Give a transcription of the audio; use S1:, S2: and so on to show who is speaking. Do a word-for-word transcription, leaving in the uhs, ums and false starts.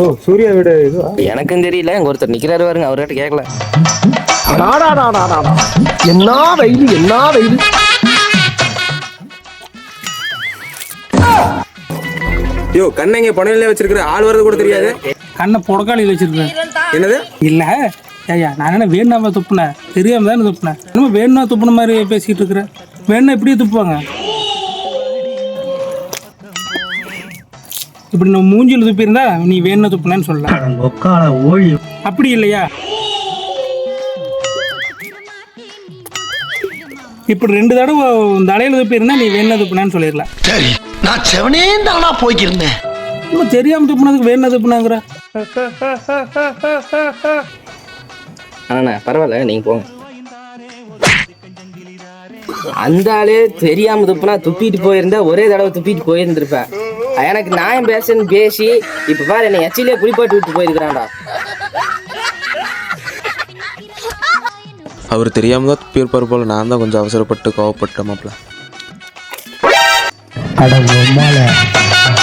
S1: ஓ சூர்யா வீடு இதுவா?
S2: எனக்கும் தெரியல, எங்க ஒருத்தர் நிக்கிறாரு பாருங்க, அவர்கிட்ட கேட்கல.
S3: என்ன வெயில் என்ன வெயில்.
S1: யோ கண்ணங்க பணையில வச்சிருக்கிற ஆள் வரது கூட தெரியாது.
S4: கண்ணை புடக்காளியில் வச்சிருக்கேன்.
S1: என்னது
S4: இல்ல ஐயா, நான் என்ன வேணுனாம துப்புனேன், தெரியாம தானே துப்புனேன். என்னமோ வேணுனா துப்புன மாதிரி பேசிக்கிட்டு இருக்கிறேன். வேணுனா இப்படியே துப்புவாங்க. இப்படி நம்ம மூஞ்சியில் துப்பி இருந்தா நீ வேணுனா துப்புனேன்னு சொல்லலாம். அப்படி இல்லையா? இப்படி ரெண்டு தடவை தலையில துப்பி இருந்தா நீ வேணுனா துப்புனேன்னு சொல்லிடலாம்.
S3: சரி, நான் செவனே தானா போய்க்கிருந்தேன்.
S4: நம்ம தெரியாம துப்புனதுக்கு வேணுனா துப்புனாங்கிற.
S2: ஆனா பரவாயில்ல, நீங்க போங்க. அந்த ஆளே தெரியாம துப்புனா துப்பிட்டு போயிருந்தா ஒரே தடவை துப்பிட்டு போயிருந்திருப்பேன். எனக்கு நியாயம் பேசுன்னு பேசி இப்ப பாரு என்னை எச்சிலே குளிப்பாட்டு விட்டு போயிருக்கிறான்டா.
S5: அவர் தெரியாம தான் துப்பி இருப்பார் போல. நான் தான் கொஞ்சம் அவசரப்பட்டு கோவப்பட்ட மாப்பிள்ள.